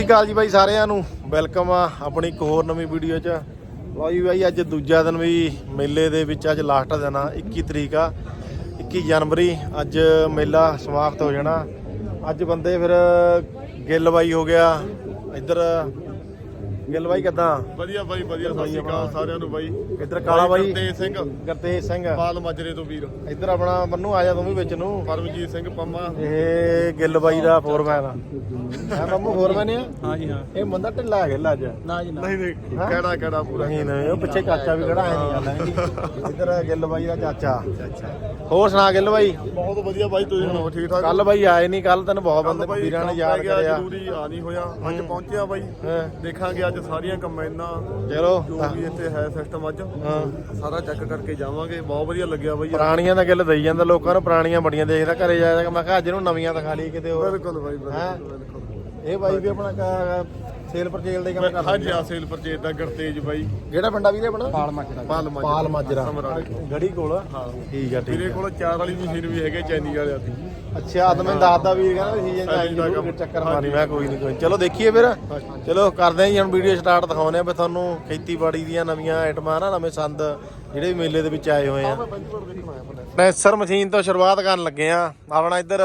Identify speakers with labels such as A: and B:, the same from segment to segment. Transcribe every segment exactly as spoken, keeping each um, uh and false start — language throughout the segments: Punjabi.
A: ਸਤਿ ਸ਼੍ਰੀ ਅਕਾਲ ਜੀ ਬਾਈ ਸਾਰਿਆਂ ਨੂੰ ਵੈਲਕਮ ਆ ਆਪਣੀ ਇੱਕ ਹੋਰ ਨਵੀਂ ਵੀਡੀਓ 'ਚ। ਲਓ ਜੀ ਬਾਈ ਅੱਜ ਦੂਜਾ ਦਿਨ ਵੀ ਮੇਲੇ ਦੇ ਵਿੱਚ ਅੱਜ ਲਾਸਟ ਦਿਨ ਆ ਇੱਕੀ ਤਰੀਕ ਆ ਇੱਕੀ ਜਨਵਰੀ ਅੱਜ ਮੇਲਾ ਸਮਾਪਤ ਹੋ ਜਾਣਾ। ਅੱਜ ਬੰਦੇ ਫਿਰ ਗਿੱਲ ਬਾਈ ਹੋ ਗਿਆ ਇੱਧਰ ਗਿੱਲ ਬਾਈ ਕਿੱਦਾਂ
B: ਵਧੀਆ ਬਾਈ ਵਧੀਆ ਸਤਿ ਸ਼੍ਰੀ ਅਕਾਲ ਸਾਰਿਆਂ ਨੂੰ ਬਾਈ।
A: ਇੱਧਰ ਕਾਲਾ ਬਾਈ
B: ਗੁਰਤੇਜ ਸਿੰਘ
A: ਗੁਰਤੇਜ ਸਿੰਘ
B: ਪਾਲ ਮਾਜਰੇ ਤੋਂ ਵੀਰ
A: ਇੱਧਰ ਆਪਣਾ ਮੰਨੂ ਆ ਜਾ ਤੂੰ ਵੀ ਵਿੱਚ ਨੂੰ
B: ਪਰਮਜੀਤ ਸਿੰਘ ਪੰਮਾ
A: ਇਹ ਗਿੱਲ ਬਾਈ ਦਾ ਫੋਰਮੈਨ ਆ ਹੈ ਮੰਮੂ ਫੋਰਮੈਨ ਆ।
B: ਹਾਂ ਜੀ ਹਾਂ
A: ਇਹ ਬੰਦਾ ਢਿੱਲਾ ਗਿੱਲ ਅੱਜ
B: ਨਾ ਜੀ ਨਹੀਂ ਨਹੀਂ ਕਿਹੜਾ ਕਿਹੜਾ ਪੂਰਾ
A: ਨਹੀਂ ਨਹੀਂ ਉਹ ਪਿੱਛੇ ਚਾਚਾ ਵੀ ਖੜਾ ਹੈ ਨਹੀਂ ਗੱਲ ਇੱਧਰ ਗਿੱਲ ਬਾਈ ਦਾ ਚਾਚਾ। ਹੋਰ ਸੁਣਾ ਗਿੱਲ ਬਾਈ?
B: ਬਹੁਤ ਵਧੀਆ ਬਾਈ ਤੁਸੀਂ ਸੁਣਾਓ ਠੀਕ ਠਾਕ?
A: ਕੱਲ ਬਾਈ ਆਏ ਨਹੀਂ ਕੱਲ ਤੈਨੂੰ ਬਹੁਤ ਬੰਦੇ ਵੀਰਾਂ ਨੇ ਯਾਦ ਕਰਿਆ
B: ਜ਼ਰੂਰੀ ਆ ਨਹੀਂ ਹੋਇਆ ਅੱਜ ਪਹੁੰਚਿਆ ਬਾਈ ਦੇਖਾਂਗੇ ਅੱਜ ਸਾਰੀਆਂ ਕੰਬਾਈਨਾਂ
A: ਚਲੋ
B: ਜੋ ਵੀ ਇੱਥੇ ਹੈ ਸਿਸਟਮ ਅੱਜ
A: ਹਾਂ
B: ਸਾਰਾ ਚੈੱਕ ਕਰਕੇ ਜਾਵਾਂਗੇ। ਬਹੁਤ ਵਧੀਆ ਲੱਗਿਆ ਬਾਈ
A: ਪੁਰਾਣੀਆਂ ਦਾ ਗਿੱਲ ਦਈ ਜਾਂਦਾ ਲੋਕਾਂ ਨੂੰ ਪੁਰਾਣੀਆਂ ਬੜੀਆਂ ਦੇਖਦਾ ਘਰੇ ਜਾਇਆ ਮੈਂ ਕਿਹਾ ਅੱਜ ਨੂੰ ਨਵੀਆਂ ਦਿਖਾ ਲਈ ਕਿਤੇ ਹੋਰ।
B: ਬਿਲਕੁਲ ਬਾਈ
A: ਹੈਂ?
B: ਬਿਲਕੁਲ
A: ਇਹ ਬਾਈ ਵੀ ਆਪਣਾ ਸੇਲ ਪਰਚੇਲ ਦੇ ਕੰਮ ਕਰਦਾ।
B: ਹਾਂਜੀ ਆ ਸੇਲ ਪਰਚੇਜ ਦਾ ਗੁਰਤੇਜ ਬਾਈ।
A: ਕਿਹੜਾ ਪਿੰਡਾ ਵੀਰੇ ਆਪਣਾ?
B: ਪਾਲ ਮਾਜਰਾ ਪਾਲ ਮਾਜਰਾ
A: ਪਾਲ ਮਾਜਰਾ ਗੜੀ ਕੋਲ।
B: ਹਾਂ
A: ਠੀਕ ਆ ਠੀਕ
B: ਮੇਰੇ ਕੋਲ ਚਾਰ ਵਾਲੀ ਮਸ਼ੀਨ ਵੀ ਹੈਗੇ ਚੈਨੀ ਵਾਲਿਆਂ ਦੀ।
A: ਅੱਛਾ ਤਾਂ ਮੈਨੂੰ ਦੱਸਦਾ ਵੀਰ ਕਹਿੰਦਾ ਸੀਜ਼ਨ ਚ ਆਈ ਜ਼ਰੂਰ ਚੱਕਰ ਮਾਰੀ। ਮੈਂ ਕੋਈ ਨਹੀਂ ਕੋਈ ਚਲੋ ਦੇਖੀਏ ਫਿਰ। ਚਲੋ ਕਰਦੇ ਆਂ ਜੀ ਹੁਣ ਵੀਡੀਓ ਸਟਾਰਟ ਦਿਖਾਉਂਦੇ ਆ ਵੀ ਤੁਹਾਨੂੰ ਖੇਤੀਬਾੜੀ ਦੀਆਂ ਨਵੀਆਂ ਆਈਟਮਾਂ ਨਾ ਨਵੇਂ ਸੰਦ ਜਿਹੜੇ ਵੀ ਮੇਲੇ ਦੇ ਵਿੱਚ ਆਏ ਹੋਏ ਆ। ਪ੍ਰੈਸਰ ਮਸ਼ੀਨ ਤੋਂ ਸ਼ੁਰੂਆਤ ਕਰਨ ਲੱਗੇ ਆ। ਆਪਣਾ ਇੱਧਰ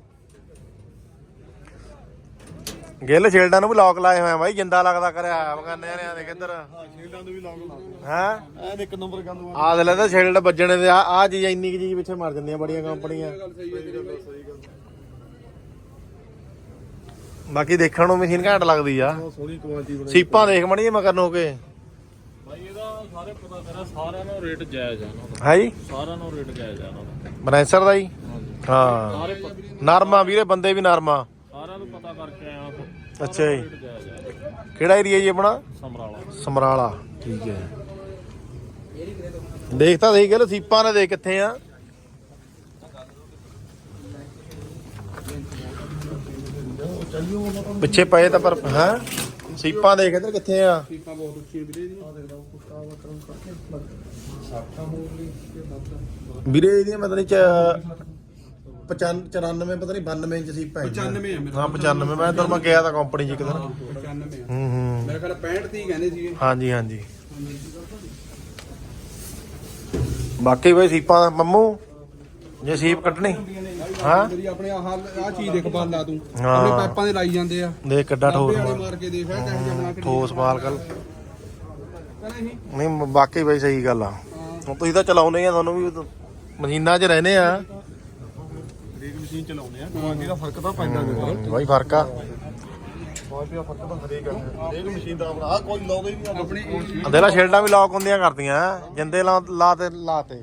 A: ਗਿੱਲ ਸ਼ੀਲਡਾਂ ਨੂੰ ਵੀ ਲੌਕ ਲਾਏ ਹੋਏ ਆ ਬਾਈ ਜਿੰਦਾ ਲੱਗਦਾ ਕਰਿਆ ਬਗਾਨੇ ਨੇ ਦੇਖ ਇੱਧਰ
B: ਸ਼ੀਲਡਾਂ ਦੇ ਵੀ ਲੌਕ ਲਾ
A: ਹੈ
B: ਐਨ ਇੱਕ ਨੰਬਰ ਗੰਦ
A: ਆ ਦੇ ਲੈਦਾ ਸ਼ੀਲਡ ਵੱਜਣੇ ਦੇ ਆ ਆ ਚੀਜ਼ ਇੰਨੀ ਕੁ ਚੀਜ਼ ਪਿੱਛੇ ਮਰ ਜਾਂਦੀਆਂ ਬੜੀਆਂ ਕੰਪਨੀਆਂ। ਬਾਕੀ ਦੇਖਣ ਨੂੰ ਮਸ਼ੀਨ ਘੈਂਟ ਲੱਗਦੀ ਆ।
B: ਸੋਹਣੀ ਕੁਆਲਿਟੀ ਬਣੀ
A: ਸੀਪਾਂ ਦੇਖ ਮਣੀ ਮਗਰ ਨੂੰ ਕੇ
C: ਭਾਈ ਇਹਦਾ ਸਾਰੇ ਪਤਾ ਕਰਾ ਸਾਰਿਆਂ ਨੂੰ ਰੇਟ ਜਾਇਜ਼ ਆ ਇਹਨਾਂ ਦਾ।
A: ਹੈ ਜੀ
C: ਸਾਰਿਆਂ ਨੂੰ ਰੇਟ ਜਾਇਜ਼ ਆ ਇਹਨਾਂ ਦਾ।
A: ਬਰੈਂਸਰ ਦਾ ਜੀ ਹਾਂ
C: ਸਾਰੇ ਪ-
A: ਨਰਮਾ ਵੀਰੇ ਬੰਦੇ ਵੀ ਨਰਮਾ।
C: ਸਾਰਿਆਂ ਨੂੰ ਪਤਾ ਕਰਕੇ ਆਇਆ
A: ਅੱਛਾ ਜੀ
C: ਰੇਟ ਜਾਇਜ਼ ਆ।
A: ਕਿਹੜਾ ਏਰੀਆ ਜੀ ਆਪਣਾ?
C: ਸਮਰਾਲਾ
A: ਸਮਰਾਲਾ ਠੀਕ ਹੈ। ਦੇਖ ਤਾਂ ਸਹੀ ਗੱਲ ਸੀਪਾਂ ਨੇ ਦੇਖ ਕਿੱਥੇ ਆ। ਪਿੱਛੇ ਪਏ ਤਾਂ ਪਰ ਹੈ ਸੀਪਾਂ ਦੇਖ ਇੱਧਰ ਕਿੱਥੇ ਆ।
B: ਸੀਪਾਂ ਬਹੁਤ ਉੱਚੀਆਂ ਵੀਰੇ ਦੀਆਂ ਦੇਖਦਾ ਕੁੱਤਾ ਵਟਰਮ ਕਰਕੇ ਸਾਠਾ ਹੋ ਗਈ
A: ਵੀਰੇ ਇਹਦੀਆਂ ਮਤਲਬ ਚ ਪਚਾਨਵੇਂ ਚੁਰਾਨਵੇਂ ਪਤਾ ਨਹੀਂ ਬਾਨਵੇਂ ਇੰਚ ਸੀਪਾਂ
B: ਪਚਾਨਵੇਂ ਆ ਮੇਰਾ
A: ਹਾਂ ਪਚਾਨਵੇਂ ਮੈਂ ਤਾਂ ਮੈਂ ਗਿਆ ਤਾਂ ਕੰਪਨੀ ਚ ਇੱਕ ਦਿਨ।
B: ਪਚਾਨਵੇਂ ਆ
A: ਹੂੰ ਹੂੰ
B: ਮੇਰੇ ਖਿਆਲ ਪੈਂਹਠ ਤੀਹ ਕਹਿੰਦੇ ਸੀਗੇ।
A: ਹਾਂਜੀ ਹਾਂਜੀ ਬਾਕੀ ਬਈ ਸੀਪਾਂ ਮੰਮੂ ਜੇ ਸੀਪ ਕੱਢਣੀ ਹਾਂ
B: ਜਿਹੜੀ ਆਪਣੇ ਆਹ ਆਹ ਚੀਜ਼ ਦੇਖ ਬਾਲ ਲਾ ਤੂੰ
A: ਹਾਂ।
B: ਆਪਣੇ ਪਾਈਪਾਂ ਦੇ ਲਾਈ ਜਾਂਦੇ ਆ
A: ਦੇਖ ਕਿੱਡਾ ਠੋਸ
B: ਵਾਲੇ
A: ਮਾਲ
B: ਮਾਰ ਕੇ ਦੇਖ ਇਹ ਟੈਂਕ ਬਣਾ ਕੇ
A: ਠੋਸ ਮਾਲ ਕੱਲ
B: ਨਹੀਂ
A: ਨਹੀਂ ਬਾਕੀ ਬਈ ਸਹੀ ਗੱਲ ਆ। ਹੁਣ ਤੁਸੀਂ ਤਾਂ ਚਲਾਉਂਦੇ ਆ ਤੁਹਾਨੂੰ ਵੀ ਮਸ਼ੀਨਾਂ 'ਚ ਰਹਿੰਦੇ ਆ।
B: ਰੇਕ ਮਸ਼ੀਨ ਚਲਾਉਂਦੇ ਆ ਕੁਆਲਿਟੀ ਦਾ ਫਰਕ ਤਾਂ ਪੈਂਦਾ ਦੇਖੋ
A: ਬਾਈ ਫਰਕ ਆ।
B: ਕੁਆਲਿਟੀ ਦਾ ਫਰਕ ਤਾਂ ਹਰੇਕ ਹਰੇਕ ਮਸ਼ੀਨ ਦਾ ਆਪਣਾ ਆਹ ਕੋਈ ਲਾਉਂਦਾ ਹੀ ਨਹੀਂ ਆਪਣੀ
A: ਅੰਦੇਲਾ ਸ਼ੀਲਡਾਂ ਵੀ ਲੌਕ ਹੁੰਦੀਆਂ ਕਰਦੀਆਂ ਜਿੰਦੇ ਲਾ ਲਾ ਤੇ ਲਾ ਤੇ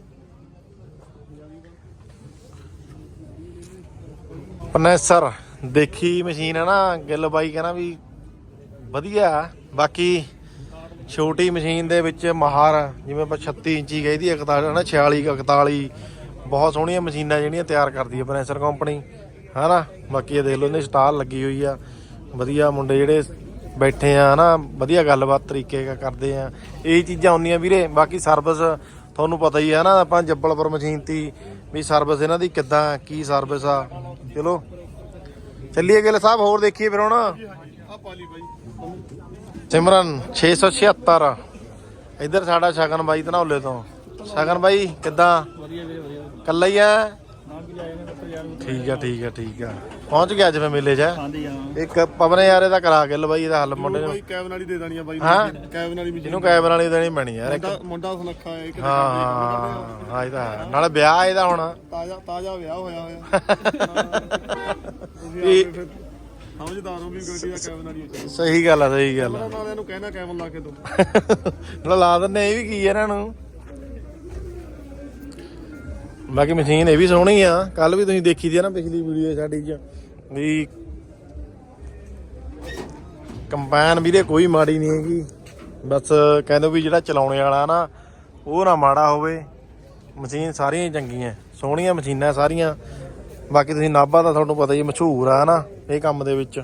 A: ਪਨੈਸਰ ਦੇਖੀ ਮਸ਼ੀਨ ਹੈ ਨਾ ਗਿੱਲ ਬਾਈ ਕਹਿੰਦਾ ਵੀ ਵਧੀਆ। ਬਾਕੀ ਛੋਟੀ ਮਸ਼ੀਨ ਦੇ ਵਿੱਚ ਮਹਾਰ ਜਿਵੇਂ ਆਪਾਂ ਛੱਤੀ ਇੰਚੀ ਗਈ ਦੀ ਇਕਤਾਲੀ ਨਾ ਛਿਆਲੀ ਇਕਤਾਲੀ ਬਹੁਤ ਸੋਹਣੀਆਂ ਮਸ਼ੀਨਾਂ ਜਿਹੜੀਆਂ ਤਿਆਰ ਕਰਦੀ ਹੈ ਪਨੈਸਰ ਕੰਪਨੀ ਹੈ ਨਾ। ਬਾਕੀ ਇਹ ਦੇਖ ਲਓ ਇਹਨੇ ਸਟਾਲ ਲੱਗੀ ਹੋਈ ਆ ਵਧੀਆ ਮੁੰਡੇ ਜਿਹੜੇ ਬੈਠੇ ਆ ਨਾ ਵਧੀਆ ਗੱਲਬਾਤ ਤਰੀਕੇ ਕਰਦੇ ਆ ਇਹ ਚੀਜ਼ਾਂ ਹੁੰਦੀਆਂ ਵੀਰੇ। ਬਾਕੀ ਸਰਵਿਸ ਤੁਹਾਨੂੰ ਪਤਾ ਹੀ ਹੈ ਨਾ ਆਪਾਂ ਜੱਬਲਪੁਰ ਮਸ਼ੀਨ ਤੀ ਵੀ ਸਰਵਿਸ ਇਹਨਾਂ ਦੀ ਕਿੱਦਾਂ ਕੀ ਸਰਵਿਸ ਆ। ਚਲੋ ਚੱਲੀਏ ਗਿੱਲ ਸਾਹਿਬ ਹੋਰ ਦੇਖੀਏ ਫਿਰ ਹੁਣ।
B: ਆ ਪਾਲੀ ਬਾਈ
A: ਸਿਮਰਨ ਛੇ ਸੌ ਛਿਹੱਤਰ ਇੱਧਰ ਸਾਡਾ ਸ਼ਗਨ ਬਾਈ ਧਨੌਲੇ ਤੋਂ। ਸ਼ਗਨ ਬਾਈ ਕਿੱਦਾਂ?
C: ਵਧੀਆ ਵੀਰੇ ਵਧੀਆ
A: ਕੱਲਾ ਹੀ ਆ?
C: ਨਾ ਵੀ ਆਏ ਨੇ ਤਾਂ ਯਾਰ
A: ਠੀਕ ਆ ਠੀਕ ਆ ਠੀਕ ਆ ਪਹੁੰਚ ਗਿਆ ਅੱਜ ਮੈਂ ਮੇਲੇ 'ਚ।
C: ਆਂਦੀ ਆ
A: ਇੱਕ ਪਵਨੇ ਯਾਰ ਇਹਦਾ ਕਰਾ ਗਿੱਲ ਬਾਈ ਇਹਦਾ ਹੱਲ ਮੁੰਡੇ ਨੂੰ।
B: ਬਾਈ ਕੈਬਨ ਵਾਲੀ ਦੇ ਦੇਣੀ ਆ ਬਾਈ
A: ਹਾਂ?
B: ਕੈਬਨ ਵਾਲੀ ਮਸ਼ੀਨ
A: ਇਹਨੂੰ ਕੈਬਨ ਵਾਲੀ ਦੇਣੀ ਪੈਣੀ ਯਾਰ ਇੱਕ।
B: ਮੁੰਡਾ ਮੁੰਡਾ ਸੁਨੱਖਾ ਹੈ ਇੱਕ
A: ਹਾਂ ਹਾਂ ਇਹਦਾ ਹੈ। ਨਾਲੇ ਵਿਆਹ ਇਹਦਾ ਹੁਣ
B: ਤਾਜ਼ਾ ਤਾਜ਼ਾ ਵਿਆਹ ਹੋਇਆ ਹੋਇਆ
A: ਇਹ
B: ਫਿਰ ਸਮਝਦਾਰ ਹੋ ਵੀ ਗੱਡੀ ਦਾ ਕੈਬਨ ਵਾਲੀ ਹੋ
A: ਸਹੀ ਗੱਲ ਆ ਸਹੀ ਗੱਲ ਆ।
B: ਨਾਲਿਆਂ ਨੂੰ ਕਹਿਣਾ ਕੈਬਨ ਲਾ ਕੇ ਦੋ
A: ਨਾਲੇ ਲਾ ਦਿੰਦੇ ਇਹ ਵੀ ਕੀ ਇਹਨਾਂ ਨੂੰ। ਬਾਕੀ ਮਸ਼ੀਨ ਇਹ ਵੀ ਸੋਹਣੀ ਆ ਕੱਲ ਵੀ ਤੁਸੀਂ ਦੇਖੀ ਦੀ ਆ ਨਾ ਪਿਛਲੀ ਵੀਡੀਓ ਸਾਡੀ ਚ ਵੀ ਕੰਬਾਈਨ ਵੀਰੇ ਕੋਈ ਮਾੜੀ ਨਹੀਂ ਹੈਗੀ। ਬਸ ਕਹਿੰਦੇ ਵੀ ਜਿਹੜਾ ਚਲਾਉਣੇ ਵਾਲਾ ਨਾ ਉਹ ਨਾ ਮਾੜਾ ਹੋਵੇ। ਮਸ਼ੀਨ ਸਾਰੀਆਂ ਹੀ ਚੰਗੀਆਂ ਸੋਹਣੀਆਂ ਮਸ਼ੀਨਾਂ ਸਾਰੀਆਂ। ਬਾਕੀ ਤੁਸੀਂ ਨਾਭਾ ਦਾ ਤੁਹਾਨੂੰ ਪਤਾ ਹੀ ਮਸ਼ਹੂਰ ਆ ਨਾ ਇਹ ਕੰਮ ਦੇ ਵਿੱਚ।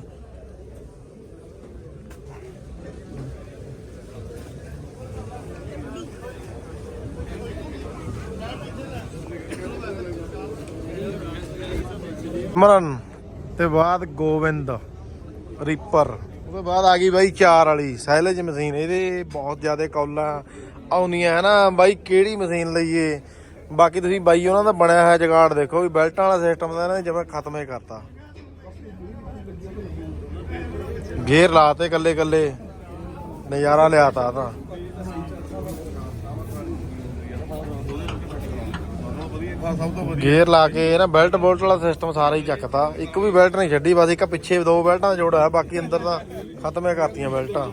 A: ਮਰਨ ਤੇ ਬਾਅਦ ਗੋਬਿੰਦ ਰੀਪਰ। ਉਹਦੇ ਬਾਅਦ ਆ ਗਈ ਬਾਈ ਚਾਰ ਵਾਲੀ ਸਾਈਲੇਜ ਮਸ਼ੀਨ। ਇਹਦੇ ਬਹੁਤ ਜ਼ਿਆਦਾ ਕੌਲਾਂ ਆਉਂਦੀਆਂ ਹੈ ਨਾ ਬਾਈ, ਕਿਹੜੀ ਮਸ਼ੀਨ ਲਈਏ। ਬਾਕੀ ਤੁਸੀਂ ਬਾਈ ਉਹਨਾਂ ਦਾ ਬਣਿਆ ਹੋਇਆ ਜਗਾੜ ਦੇਖੋ ਵੀ ਬੈਲਟਾਂ ਵਾਲਾ ਸਿਸਟਮ ਦਾ ਨਾ ਜਿਵੇਂ ਖਤਮ ਹੀ ਕਰਤਾ। ਗੇਅਰ ਲਾਤੇ ਕੱਲੇ ਕੱਲੇ, ਨਜ਼ਾਰਾ ਲਿਆਤਾ ਤਾਂ।
B: ਸਭ ਤੋਂ ਵਧੀਆ
A: ਗੇਅਰ ਲਾ ਕੇ ਨਾ ਬੈਲਟ ਬੋਲਟ ਵਾਲਾ ਸਿਸਟਮ ਸਾਰਾ ਹੀ ਚੱਕਤਾ। ਇੱਕ ਵੀ ਬੈਲਟ ਨਹੀਂ ਛੱਡੀ, ਬਸ ਇੱਕ ਪਿੱਛੇ ਦੋ ਬੈਲਟਾਂ ਦਾ ਜੋੜਾ ਹੈ, ਬਾਕੀ ਅੰਦਰ ਤਾਂ ਖਤਮ ਹੀ ਕਰਤੀਆਂ ਬੈਲਟਾਂ।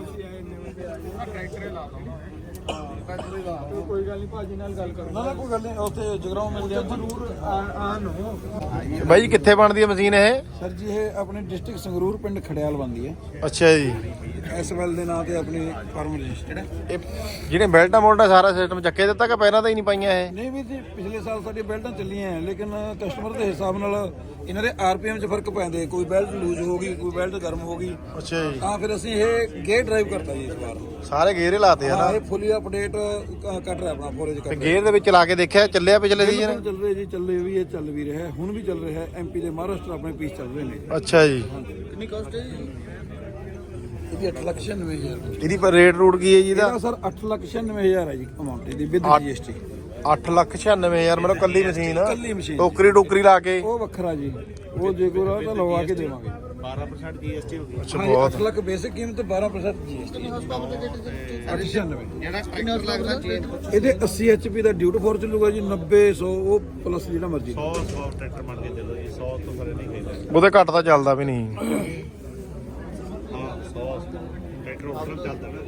C: ਕੋਈ ਗੱਲ ਨਹੀਂ ਭਾਜੀ ਨਾਲ ਗੱਲ ਕਰੋ।
B: ਨਾ ਨਾ ਕੋਈ ਗੱਲ ਨਹੀਂ, ਉੱਥੇ ਜਗਰਾਉਂ ਮਿਲਦੇ ਆ ਜ਼ਰੂਰ ਆ ਨੂੰ।
A: ਬਾਈ ਜੀ ਕਿੱਥੇ ਬਣਦੀ ਹੈ ਮਸ਼ੀਨ ਇਹ?
B: ਸਰ ਜੀ ਇਹ ਆਪਣੇ ਡਿਸਟ੍ਰਿਕਟ ਸੰਗਰੂਰ ਪਿੰਡ ਖੜਿਆਲ ਬਣਦੀ ਹੈ।
A: ਅੱਛਾ ਜੀ।
B: ਐਸਵੈਲ ਦੇ ਨਾਂ ਤੇ ਆਪਣੀ ਫਾਰਮ ਰਜਿਸਟਰਡ ਹੈ।
A: ਇਹ ਜਿਹੜੇ ਬੈਲਟਾਂ ਮੋਲਟਾਂ ਸਾਰਾ ਸਿਸਟਮ ਚੱਕੇ ਦਿੱਤਾ ਕਿ ਪਹਿਲਾਂ ਤਾਂ ਹੀ ਨਹੀਂ ਪਾਈਆਂ ਇਹ?
B: ਨਹੀਂ ਵੀ ਜੀ ਪਿਛਲੇ ਸਾਲ ਸਾਡੀਆਂ ਬੈਲਟਾਂ ਚੱਲੀਆਂ ਹੈ, ਲੇਕਿਨ ਕਸਟਮਰ ਦੇ ਹਿਸਾਬ ਨਾਲ ਇਹਨਾਂ ਦੇ ਆਰਪੀਐਮ 'ਚ ਫਰਕ ਪੈਂਦੇ। ਕੋਈ ਬੈਲਟ ਲੂਜ਼ ਹੋ ਗਈ, ਕੋਈ ਬੈਲਟ ਗਰਮ ਹੋ ਗਈ,
A: ਅੱਛਾ ਜੀ।
B: ਤਾਂ ਫਿਰ ਅਸੀਂ ਇਹ ਗੇਅਰ ਡਰਾਈਵ ਕਰਤਾ ਜੀ ਇਸ ਵਾਰ।
A: ਸਾਰੇ ਗੇਅਰ ਹੀ ਲਾਤੇ ਆ
B: ਹਾਂ
A: ਨਾ।
B: ਇਹ ਫੁੱਲੀ ਅਪਡੇਟ ਕੱਟ ਰਿਹਾ ਆਪਣਾ ਫੋਰੇਜ
A: ਤੇ
B: ਕੱਟ
A: ਗੇਅਰ ਦੇ ਵਿੱਚ ਲਾ ਕੇ ਦੇਖਿਆ ਚੱਲਿਆ ਪਿਛਲੇ ਸੀਜ਼ਨ?
B: ਰਿਹਾ। ਚੱਲ ਰਿਹਾ ਜੀ, ਚੱਲੇ ਵੀ ਇਹ ਚੱਲ ਵੀ ਰਿਹਾ, ਹੁਣ ਵੀ ਚੱਲ ਰਿਹਾ। ਐਮਪੀ ਦੇ ਮਹਾਰਾਸ਼ਟਰ ਆਪਣੇ ਪੀਸ ਚੱਲ ਰਹੇ ਨੇ।
A: ਅੱਛਾ ਜੀ।
B: ਕਿੰਨੀ ਕਾਸਟ ਹੈ ਜੀ ਇਹਦੀ? ਅੱਠ ਲੱਖ ਛਿਆਨਵੇਂ ਹਜ਼ਾਰ।
A: ਇਹਦੀ ਪਰ ਰੇਟ ਰੂਟ ਕੀ ਹੈ ਜੀ ਇਹਦਾ?
B: ਇਹਦਾ ਸਰ ਅੱਠ ਲੱਖ ਛਿਆਨਵੇਂ ਹਜ਼ਾਰ ਹੈ ਜੀ ਅਮਾਉਂਟ ਇਹਦੀ ਵਿਦ ਜੀਐਸਟੀ।
A: ਅੱਠ ਲੱਖ ਛਿਆਨਵੇਂ ਹਜ਼ਾਰ ਮਤਲਬ ਕੱਲੀ ਮਸ਼ੀਨ?
B: ਕੱਲੀ ਮਸ਼ੀਨ।
A: ਟੋਕਰੀ ਟੋਕਰੀ ਲਾ ਕੇ?
B: ਉਹ ਵੱਖਰਾ ਜੀ, ਉਹ ਜੇ ਕੋਈ ਰਹਾ ਤਾਂ ਲਵਾ ਕੇ ਦੇਵਾਂਗੇ।
C: ਬਾਰਾਂ ਪਰਸੈਂਟ ਜੀਐਸਟੀ ਹੋ ਗਈ।
A: ਅੱਛਾ
B: ਹਾਂ
A: ਬਹੁਤ।
B: ਅੱਠ ਲੱਖ ਬੇਸਿਕ ਕੀਮਤ, ਬਾਰਾਂ ਪਰਸੈਂਟ ਜੀਐਸਟੀ। ਅੱਠ ਛਿਆਨਵੇਂ
C: ਜਿਹੜਾ ਟਰੈਕਟਰ ਲੱਗਦਾ ਚੇਂਜ
B: ਇਹਦੇ ਅੱਸੀ ਐਚਪੀ ਦਾ ਡਿਊਟ ਫੋਰ ਚੱਲੂਗਾ ਜੀ। ਨੱਬੇ ਸੌ ਉਹ ਪਲੱਸ ਜਿਹੜਾ ਮਰਜ਼ੀ।
C: ਸੌ ਸੌ ਟਰੈਕਟਰ ਬਣ ਕੇ ਚੱਲੋ ਜੀ। ਸੌ ਤੋਂ ਪਰੇ ਨਹੀਂ ਖੇਡਦਾ।
A: ਉਹਦੇ ਘੱਟ ਤਾਂ ਚੱਲਦਾ ਵੀ ਨਹੀਂ।
C: ਹਾਂ ਸੌ ਟਰੈਕਟਰ ਉੱਪਰ ਚੱਲਦਾ ਨਾ।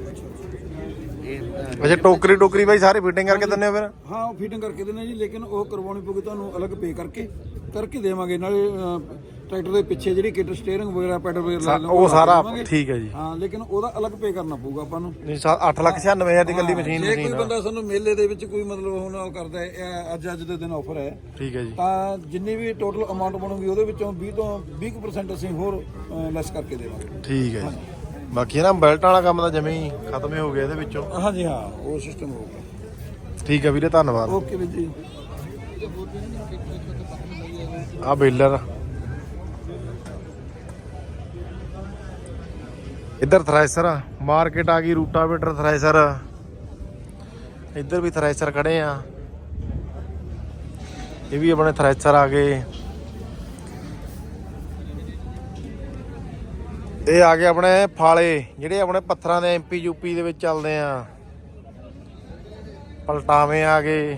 A: ਅੱਛਾ ਟੋਕਰੀ ਟੋਕਰੀ ਬਾਈ ਸਾਰੇ ਫਿਟਿੰਗ ਕਰਕੇ ਦਿੰਦੇ ਹੋ ਫਿਰ?
B: ਹਾਂ ਉਹ ਫਿਟਿੰਗ ਕਰਕੇ ਦਿੰਦੇ ਜੀ, ਲੇਕਿਨ ਉਹ ਕਰਵਾਉਣੀ ਪਊਗੀ ਤੁਹਾਨੂੰ ਅਲੱਗ ਪੇ ਕਰਕੇ ਕਰਕੇ ਦੇਵਾਂਗੇ। ਨਾਲੇ ਟਰੈਕਟਰ ਦੇ ਪਿੱਛੇ ਜਿਹੜੀ ਕਿਟ ਸਟੀਅਰਿੰਗ ਵਗੈਰਾ ਪੈਡਲ ਵਗੈਰਾ ਲਾ
A: ਉਹ ਸਾਰਾ ਠੀਕ ਹੈ ਜੀ।
B: ਹਾਂ ਲੇਕਿਨ ਉਹਦਾ ਅਲੱਗ ਪੇ ਕਰਨਾ ਪਊਗਾ ਆਪਾਂ ਨੂੰ।
A: ਨਹੀਂ ਅੱਠ ਲੱਖ ਛਿਆਨਵੇਂ ਹਜ਼ਾਰ ਦੀ ਕੱਲੀ ਮਸ਼ੀਨ
B: ਜੇ ਕੋਈ
A: ਮਸ਼ੀਨ
B: ਬੰਦਾ ਸਾਨੂੰ ਮੇਲੇ ਦੇ ਵਿੱਚ ਕੋਈ ਮਤਲਬ ਹੁਣ ਉਹ ਕਰਦਾ ਹੈ, ਇਹ ਅੱਜ ਅੱਜ ਦੇ ਦਿਨ ਆਫਰ ਹੈ,
A: ਠੀਕ ਹੈ ਜੀ।
B: ਤਾਂ ਜਿੰਨੀ ਵੀ ਟੋਟਲ ਅਮਾਉਂਟ ਬਣੂਗੀ ਉਹਦੇ ਵਿੱਚੋਂ ਵੀਹ ਤੋਂ ਵੀਹ ਪਰਸੈਂਟ ਅਸੀਂ ਹੋਰ ਲੈਸ ਕਰਕੇ ਦੇਵਾਂਗੇ।
A: ਠੀਕ ਹੈ ਜੀ। ਬਾਕੀ ਨਾ ਬੈਲਟਾਂ ਵਾਲਾ ਕੰਮ ਤਾਂ ਜਮੇ ਹੀ ਖਤਮ ਹੀ ਹੋ ਗਿਆ ਇਹਦੇ ਵਿੱਚੋਂ।
B: ਹਾਂਜੀ ਹਾਂ ਉਹ ਸਿਸਟਮ ਹੋਊਗਾ।
A: ਠੀਕ ਹੈ ਵੀਰੇ ਧੰਨਵਾਦ।
B: ਓਕੇ ਵੀਰ ਜੀ।
A: ਆ ਬੇਲਰ ਇੱਧਰ ਥ੍ਰੈਸ਼ਰ ਮਾਰਕੀਟ ਆ ਗਈ। ਰੂਟਾਵੇਟਰ ਥ੍ਰੈਸ਼ਰ ਇੱਧਰ ਵੀ ਥ੍ਰੈਸ਼ਰ ਖੜੇ ਆ। ਇਹ ਵੀ ਆਪਣੇ ਥ੍ਰੈਸ਼ਰ ਆ ਗਏ। ਇਹ ਆ ਗਏ ਆਪਣੇ ਫਾਲੇ ਜਿਹੜੇ ਆਪਣੇ ਪੱਥਰਾਂ ਦੇ ਐਮਪੀ ਯੂਪੀ ਦੇ ਵਿੱਚ ਚੱਲਦੇ ਆ। ਪਲਟਾਵੇਂ ਆ ਗਏ।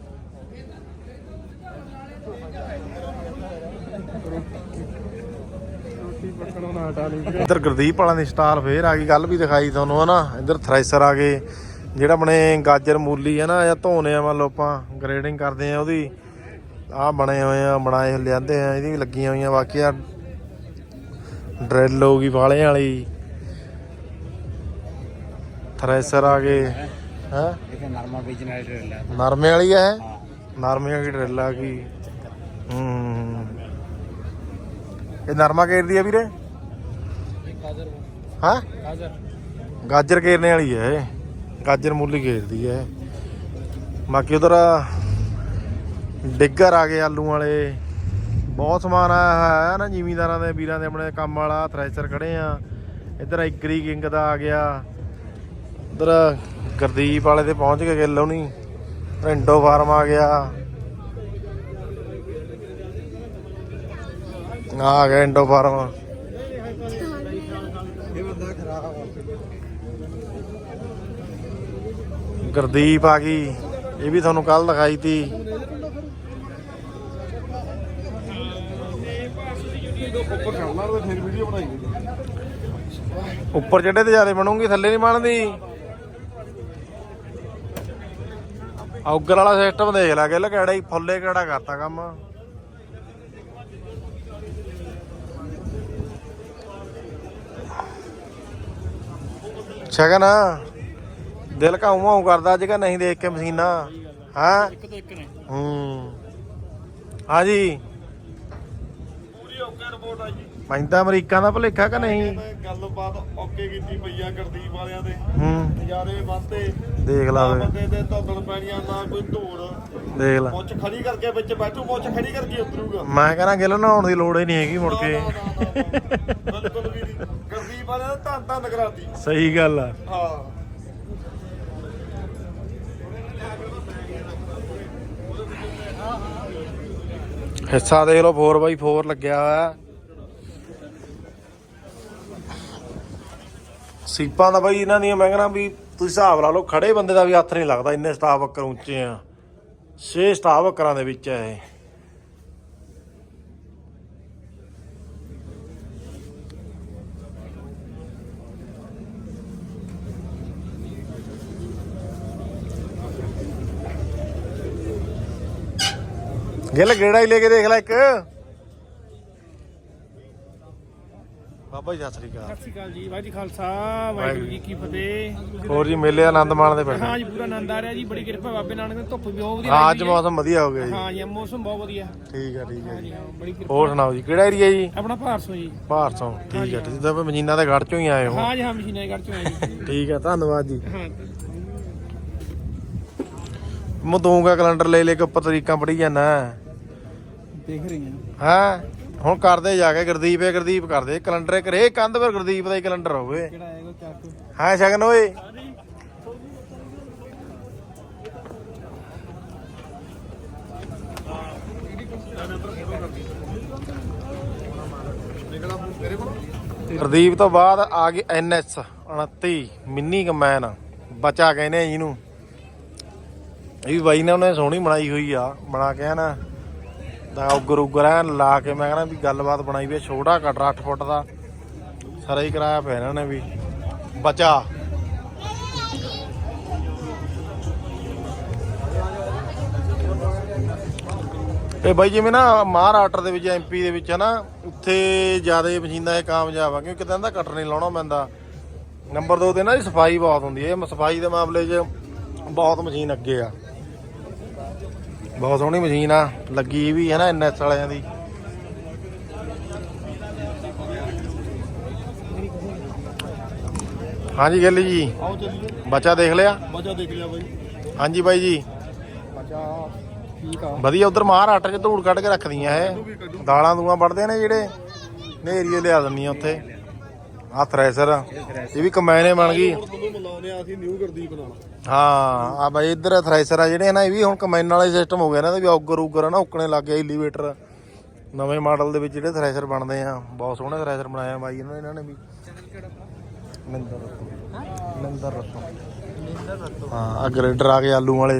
A: ਇੱਧਰ ਗੁਰਦੀਪ ਵਾਲਾਂ ਦੀ ਸਟਾਲ ਫੇਰ ਆ ਗਈ। ਗੱਲ ਵੀ ਦਿਖਾਈ ਤੁਹਾਨੂੰ ਹਨਾ। ਇੱਧਰ ਥ੍ਰੈਸ਼ਰ ਆ ਗਏ ਜਿਹੜਾ ਆਪਣੇ ਗਾਜਰ ਮੂਲੀ ਹੈ ਨਾ ਜਾਂ ਧੋਨੇ ਆ, ਮੰਨ ਲਓ ਆਪਾਂ ਗ੍ਰੇਡਿੰਗ ਕਰਦੇ ਆ ਉਹਦੀ। ਆਹ ਬਣੇ ਹੋਏ ਆ, ਬਣਾਏ ਲਿਆਂਦੇ ਆ, ਇਹਦੀ ਵੀ ਲੱਗੀਆਂ ਹੋਈਆਂ। ਬਾਕੀ ਆ ਡਰਿਲ ਹੋ ਗਈ ਵਾਲਿਆਂ ਵਾਲੀ। ਥ੍ਰੈਸ਼ਰ ਆ ਗਏ ਹੈ।
C: ਨਰਮਾ ਵੇਚਣ ਵਾਲੀ ਡਰਿਲ ਹੈ।
A: ਨਰਮੇ ਵਾਲੀ ਹੈ, ਨਰਮੇ ਵਾਲੀ ਡਰਿਲ ਆ ਗਈ। ਹੂੰ ਇਹ ਨਰਮਾ ਘੇਰਦੀ ਆ ਵੀਰੇ? ਹਾਂ ਗਾਜਰ ਘੇਰਨੇ ਵਾਲੀ ਹੈ ਇਹ। ਗਾਜਰ ਮੂਲੀ ਘੇਰਦੀ ਹੈ। ਬਾਕੀ ਉਧਰ ਡਿੱਗਰ ਆ ਗਏ ਆਲੂ ਵਾਲੇ। ਬਹੁਤ ਸਮਾਨ ਆਇਆ ਹੈ ਨਾ ਜ਼ਿਮੀਂਦਾਰਾਂ ਦੇ ਵੀਰਾਂ ਦੇ ਆਪਣੇ ਕੰਮ ਵਾਲਾ। ਥ੍ਰੈਸ਼ਰ ਖੜੇ ਆ। ਇੱਧਰ ਐਗਰੀ ਕਿੰਗ ਦਾ ਆ ਗਿਆ। ਉਧਰ ਗੁਰਦੀਪ ਵਾਲੇ ਤੇ ਪਹੁੰਚ ਕੇ ਗਿੱਲ ਹੋਣੀ। ਰਿੰਡੋ ਫਾਰਮ ਆ ਗਿਆ। ਆ ਗਿਆ ਇੰਡੋ ਫਾਰਮ।
B: ਇਹ ਬੰਦਾ ਖਰਾਬ
A: ਗੁਰਦੀਪ ਆ ਗਈ। ਇਹ ਵੀ ਤੁਹਾਨੂੰ ਕੱਲ ਦਿਖਾਈ ਤੀ।
B: ਉੱਪਰ ਚੜਨਾ ਤੇ ਫਿਰ ਵੀਡੀਓ ਬਣਾਈ ਗਈ।
A: ਉੱਪਰ ਚੜੇ ਤੇ ਜ਼ਿਆਦਾ ਬਣੂਗੀ, ਥੱਲੇ ਨਹੀਂ ਬਣਦੀ। ਔਗਰ ਵਾਲਾ ਸਿਸਟਮ ਦੇਖ ਲੈ ਗਿੱਲ, ਕਿਹੜਾ ਹੀ ਫੁੱਲੇ ਕਿਹੜਾ ਕਰਤਾ ਕੰਮ। ਸ਼ਗਨ ਦਿਲ ਘਾਉ ਮਾਉ ਕਰਦਾ ਅੱਜ ਕਿ ਨਹੀਂ ਦੇਖ ਕੇ ਮਸ਼ੀਨਾਂ। ਹਾਂ
C: ਇੱਕ ਤੋਂ ਇੱਕ ਨੇ।
A: ਹੂੰ ਹਾਂਜੀ
C: ਪੂਰੀ ਓਕੇ ਰਿਪੋਰਟ ਆ ਜੀ।
A: ਮੈਨੂੰ ਤਾਂ ਅਮਰੀਕਾ ਦਾ ਭੁਲੇਖਾ ਕਿ ਨਹੀਂ।
D: ਗੱਲਬਾਤ ਓਕੇ ਕੀਤੀ ਪਈ ਆ ਗੁਰਦੀਪ ਵਾਲਿਆਂ ਦੇ,
A: ਹੂੰ
D: ਨਜ਼ਾਰੇ ਵੱਧਦੇ।
A: ਦੇਖ ਲਾ ਵੇ,
D: ਬੰਦੇ ਤੇ ਧੁੱਦਣ ਪੈਣੀਆਂ ਨਾ ਕੋਈ ਧੂੜ,
A: ਦੇਖ ਲਾ।
D: ਮੁੱਛ ਖੜੀ ਕਰਕੇ ਵਿੱਚ ਬੈਠੂ, ਮੁੱਛ ਖੜੀ ਕਰਕੇ ਉਤਰੂਗਾ।
A: ਮੈਂ ਕਹਿੰਦਾ ਗਿੱਲ ਨਹਾਉਣ ਦੀ ਲੋੜ ਹੀ ਨਹੀਂ ਹੈਗੀ ਮੁੜ ਕੇ।
D: ਬਿਲਕੁਲ ਵੀ ਨਹੀਂ, ਗੁਰਦੀਪ ਵਾਲਿਆਂ ਨੇ ਧੰਨ ਧੰਨ ਕਰਾਤੀ।
A: ਸਹੀ ਗੱਲ ਆ।
D: ਹਾਂ
A: ਹਿੱਸਾ ਦੇਖ ਲਓ ਫੋਰ ਬਾਈ ਫੋਰ ਲੱਗਿਆ ਹੋਇਆ। ਸੀਪਾਂ ਦਾ ਬਾਈ ਇਹਨਾਂ ਦੀਆਂ ਮੈਂ ਕਹਿੰਦਾ ਵੀ ਤੁਸੀਂ ਹਿਸਾਬ ਲਾ ਲਓ, ਖੜੇ ਬੰਦੇ ਦਾ ਵੀ ਹੱਥ ਨਹੀਂ ਲੱਗਦਾ, ਇੰਨੇ ਸਟਾਫ ਵਰਕਰ ਉੱਚੇ ਆ। ਛੇ ਸਟਾਫ ਵਰਕਰਾਂ ਦੇ ਵਿੱਚ ਆ ਇਹ। ਗਿੱਲ ਗੇੜਾ ਹੀ ਲੈ ਕੇ ਦੇਖ ਲੈ ਇੱਕ। ਬਾਬਾ ਜੀ ਸਤਿ ਸ੍ਰੀ ਅਕਾਲ।
E: ਸਤਿ ਸ਼੍ਰੀ ਅਕਾਲ ਜੀ, ਵਾਹਿਗੁਰੂ ਜੀ ਖਾਲਸਾ ਵਾਹਿਗੁਰੂ ਜੀ ਕੀ ਫਤਿਹ।
A: ਹੋਰ ਜੀ ਮੇਲੇ ਦਾ ਆਨੰਦ ਮਾਣਦੇ ਪਏ।
E: ਹਾਂ ਜੀ ਪੂਰਾ ਆਨੰਦ ਆ ਰਿਹਾ ਜੀ, ਬੜੀ ਕਿਰਪਾ ਬਾਬੇ ਨਾਨਕ ਦੀ, ਧੁੱਪ ਵੀ ਬਹੁਤ ਵਧੀਆ
A: ਹਾਂ ਅੱਜ
E: ਲੱਗੀ ਹੈ।
A: ਮੌਸਮ ਵਧੀਆ ਹੋ ਗਿਆ ਜੀ।
E: ਹਾਂ ਜੀ ਮੌਸਮ ਬਹੁਤ ਵਧੀਆ।
A: ਠੀਕ ਆ ਠੀਕ ਆ ਜੀ।
E: ਹਾਂ ਬੜੀ ਕਿਰਪਾ।
A: ਹੋਰ ਸੁਣਾਓ ਜੀ, ਕਿਹੜਾ ਏਰੀਆ ਜੀ?
E: ਆਪਣਾ ਭਾਰਸੋਂ ਜੀ।
A: ਭਾਰਸੋਂ। ਠੀਕ ਆ, ਤੁਸੀਂ ਤਾਂ ਮਜੀਨਾ ਦੇ ਗੜ ਚੋਂ ਹੀ ਆਏ ਹੋ।
E: ਹਾਂ ਜੀ ਹਾਂ ਮਸ਼ੀਨਾਂ ਦੇ ਘਰ ਚੋਂ ਆਏ ਜੀ।
A: ਠੀਕ ਆ, ਧੰਨਵਾਦ ਜੀ।
E: ਹਾਂ
A: ਮੈਂ ਦੂੰਗਾ ਕੈਲੰਡਰ ਲੈ ਲੈ ਕੇ ਉੱਪਰ ਤਰੀਕਾਂ ਪੜੀ ਜਾਣਾ।
E: ਦੇਖ ਰਹੀ ਹਾਂ।
A: ਹੈ ਹੁਣ ਕਰਦੇ ਜਾ ਕੇ ਗੁਰਦੀਪ ਹੈ, ਗੁਰਦੀਪ ਕਰਦੇ ਕੈਲੰਡਰ ਕਰੇ ਕੰਧ ਪਰ ਗੁਰਦੀਪ ਦਾ ਹੀ ਕੈਲੰਡਰ ਹੋਵੇ।
E: ਕਿਹੜਾ ਆਏਗਾ ਚਾਕੂ?
A: ਹਾਂ ਸ਼ਗਨ ਓਏ। ਗੁਰਦੀਪ ਤੋਂ ਬਾਅਦ ਆ ਗਈ ਐਨ ਐਸ ਉਨੱਤੀ ਮਿੰਨੀ ਕੰਬਾਈਨ, ਬਚਾ ਕਹਿੰਦੇ ਆ ਜਿਹਨੂੰ। ਇਹ ਵੀ ਬਾਈ ਨੇ ਉਹਨੇ ਸੋਹਣੀ ਬਣਾਈ ਹੋਈ ਆ, ਬਣਾ ਕੇ ਨਾ ਦਾ ਉਗਰ ਉਗਰ ਐਨ ਲਾ ਕੇ ਮੈਂ ਕਹਿੰਦਾ ਵੀ ਗੱਲਬਾਤ ਬਣਾਈ ਵੀ। ਛੋਟਾ ਕਟਰ ਅੱਠ ਫੁੱਟ ਦਾ ਸਾਰਾ ਹੀ ਕਰਾਇਆ ਪਿਆ ਇਹਨਾਂ ਨੇ ਵੀ। ਬਚਾ ਇਹ ਬਾਈ ਜਿਵੇਂ ਨਾ ਮਹਾਰਾਸ਼ਟਰ ਦੇ ਵਿੱਚ, ਐਮਪੀ ਦੇ ਵਿੱਚ ਹੈ ਨਾ, ਉੱਥੇ ਜ਼ਿਆਦਾ ਮਸ਼ੀਨਾਂ ਇਹ ਕਾਮਯਾਬ ਆ, ਕਿਉਂਕਿ ਕਹਿੰਦਾ ਕਟਰ ਨਹੀਂ ਲਾਉਣਾ ਪੈਂਦਾ। ਨੰਬਰ ਦੋ ਤੇ ਨਾ ਸਫਾਈ ਬਹੁਤ ਹੁੰਦੀ ਹੈ, ਸਫਾਈ ਦੇ ਮਾਮਲੇ 'ਚ ਬਹੁਤ ਮਸ਼ੀਨ ਅੱਗੇ ਆ। ਬਹੁਤ ਸੋਹਣੀ ਮਸ਼ੀਨ ਆ ਲੱਗੀ ਵੀ ਹੈ ਨਾ ਐਨ ਐਸ ਵਾਲਿਆਂ ਦੀ। ਹਾਂਜੀ ਗਿੱਲ ਜੀ,
D: ਆਓ ਚੱਲੀਏ।
A: ਬੱਚਾ ਦੇਖ ਲਿਆ?
D: ਮਜ਼ਾ ਦੇਖ ਲਿਆ ਬਾਈ।
A: ਹਾਂਜੀ ਬਾਈ ਜੀ
E: ਬੱਚਾ ਠੀਕ ਆ
A: ਵਧੀਆ। ਉਧਰ ਮਹਾਰਾਸ਼ਟਰ 'ਚ ਧੂੜ ਕੱਢ ਕੇ ਰੱਖਦੀਆਂ ਇਹ, ਦਾਲਾਂ ਦੂਆਂ ਵੱਢਦੇ ਨੇ ਜਿਹੜੇ, ਨੇਰੀਏ ਲਿਆ ਦਿੰਦੀਆਂ ਉੱਥੇ। ਆਹ ਥ੍ਰੈਸ਼ਰ ਇਹ ਵੀ ਕੰਬਾਈਨੇ ਬਣ ਗਈ।
D: ਤੁਹਾਨੂੰ ਮਿਲਾਉਂਦੇ ਆ ਅਸੀਂ ਨਿਊ ਗੁਰਦੀਪ ਨਾਲ।
A: ਹਾਂ ਆ ਬਾਈ ਇੱਧਰ ਥ੍ਰੈਸ਼ਰ ਆ ਜਿਹੜੇ ਨਾ, ਇਹ ਵੀ ਹੁਣ ਕੰਬਾਈਨ ਵਾਲਾ ਸਿਸਟਮ ਹੋ ਗਿਆ ਨਾ, ਵੀ ਔਗਰ ਉਗਰ ਨਾ ਉੱਕਣੇ ਲੱਗ ਗਿਆ। ਐਲੀਵੇਟਰ ਨਵੇਂ ਮਾਡਲ ਦੇ ਵਿੱਚ ਜਿਹੜੇ ਥ੍ਰੈਸ਼ਰ ਬਣਦੇ ਆ, ਬਹੁਤ ਸੋਹਣੇ ਥ੍ਰੈਸ਼ਰ ਬਣਾਇਆ ਬਾਈ ਇਹਨਾਂ ਇਹਨਾਂ ਨੇ ਵੀ। ਨਿੰਦਰ ਰਤੋ ਨਿੰਦਰ ਰਤੋ ਹਾਂ। ਆ ਗ੍ਰੇਡਰ ਆ ਗਏ ਆਲੂ ਵਾਲੇ।